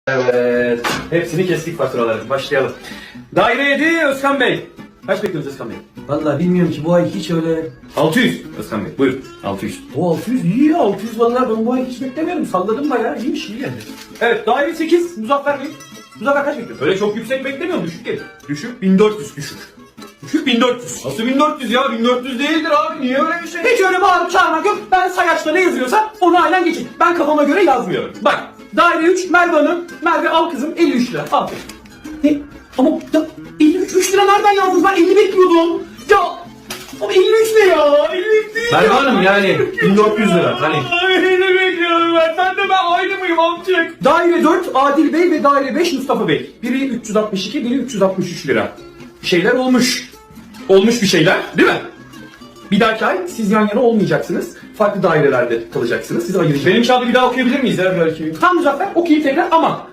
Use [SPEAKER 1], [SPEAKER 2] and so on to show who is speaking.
[SPEAKER 1] Evet. Hepsini kestik faturaları. Başlayalım. Daire 7 Özkan Bey. Kaç bekliyoruz Özkan Bey?
[SPEAKER 2] Vallahi bilmiyorum ki bu ay hiç öyle...
[SPEAKER 1] 600 Özkan Bey. Buyurun. 600.
[SPEAKER 2] O 600 iyi ya, 600 vallahi ben bu ay hiç beklemiyorum. Salladım bayağı, iyiymiş, iyi geldi.
[SPEAKER 1] Evet. Daire 8 Muzaffer Bey. Muzaffer kaç bekliyorsun? Öyle çok yüksek beklemiyorum. Düşük gelir. Düşük 1400 düşük. Düşük 1400. Nasıl 1400 ya? 1400 değildir abi. Niye öyle bir şey?
[SPEAKER 2] Hiç öyle bağırıp çağırmak yok. Ben sayaçta ne yazıyorsa onu aynen geçin. Ben kafama göre yazmıyorum.
[SPEAKER 1] Bak.
[SPEAKER 2] Daire 3 Merve Hanım. Merve al kızım 53 lira. Al. Ne? Ama ya, 53 lira nereden yazdınız? Ben 50 bekliyordum. Ya ama 53 ne ya? 53 değil
[SPEAKER 1] Merve
[SPEAKER 2] ya.
[SPEAKER 1] Hanım yani 1400 lira. Hani.
[SPEAKER 2] Ay, ne bekliyorum ben? Sen de ben aynı mıyım amcık? Daire 4 Adil Bey ve daire 5 Mustafa Bey. Biri 362, biri 363 lira. Bir şeyler olmuş. Olmuş bir şeyler, değil mi? Bir dahaki ay siz yan yana olmayacaksınız. Farklı dairelerde kalacaksınız. Sizi ayıracağım.
[SPEAKER 1] Benim kağıdı bir daha okuyabilir miyiz ya belki?
[SPEAKER 2] Tam Muzaffer okuyayım tekrar ama